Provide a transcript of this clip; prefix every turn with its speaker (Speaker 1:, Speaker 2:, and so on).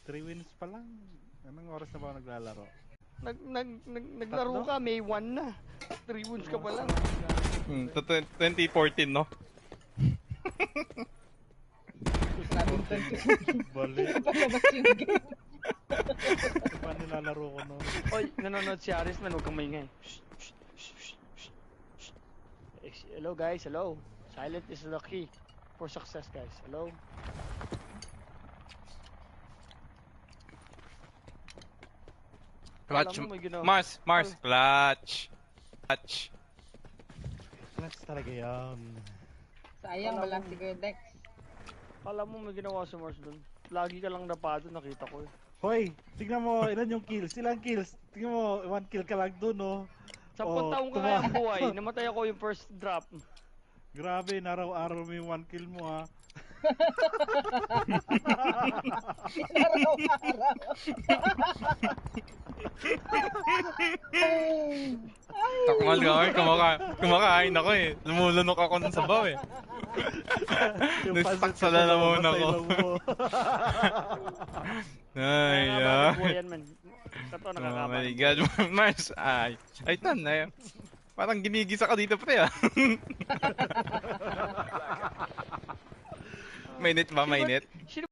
Speaker 1: 3 wins pa lang. Anong oras na ba ako naglalaro?
Speaker 2: Naglaro ka, May 1 na. 3 wounds ka pa lang.
Speaker 3: 2014, no?
Speaker 4: Sabing 20.
Speaker 1: Balik.
Speaker 4: Palabas yung game.
Speaker 1: Paano nilalaro ko noon?
Speaker 2: Oy, nanonood si Aris man, huwag kang maingay. Hello guys, hello. Silent is the key for success, guys. Hello.
Speaker 3: Clutch.
Speaker 2: Alam mo, may ginawa.
Speaker 3: Mars. Clutch.
Speaker 1: Clutch talaga yan.
Speaker 4: Sayang, walang si Kuya Dex.
Speaker 2: Alam mo, may ginawa si Mars dun. Lagi ka lang napado, nakita ko eh.
Speaker 1: Hoy, tignan mo, ilan yung kills? Ilang kills? Tignan mo, 1 kill ka lang dun, oh.
Speaker 2: 10 taong ka kayang buhay, namatay ako yung first drop.
Speaker 1: Grabe, naraw-araw mo yung 1 kill mo, ha.
Speaker 3: Takmal ka kumakain ako eh. Lumulunok ako ng sabaw eh. Nag-stuck sa lalamunan ako. Ay,
Speaker 2: Buhayan man. Kato,
Speaker 3: oh
Speaker 2: nakakapan.
Speaker 3: my god, Mars. Ay, tan, ay. Parang ginigisa ka dito pre ah. Mainit ba, mainit?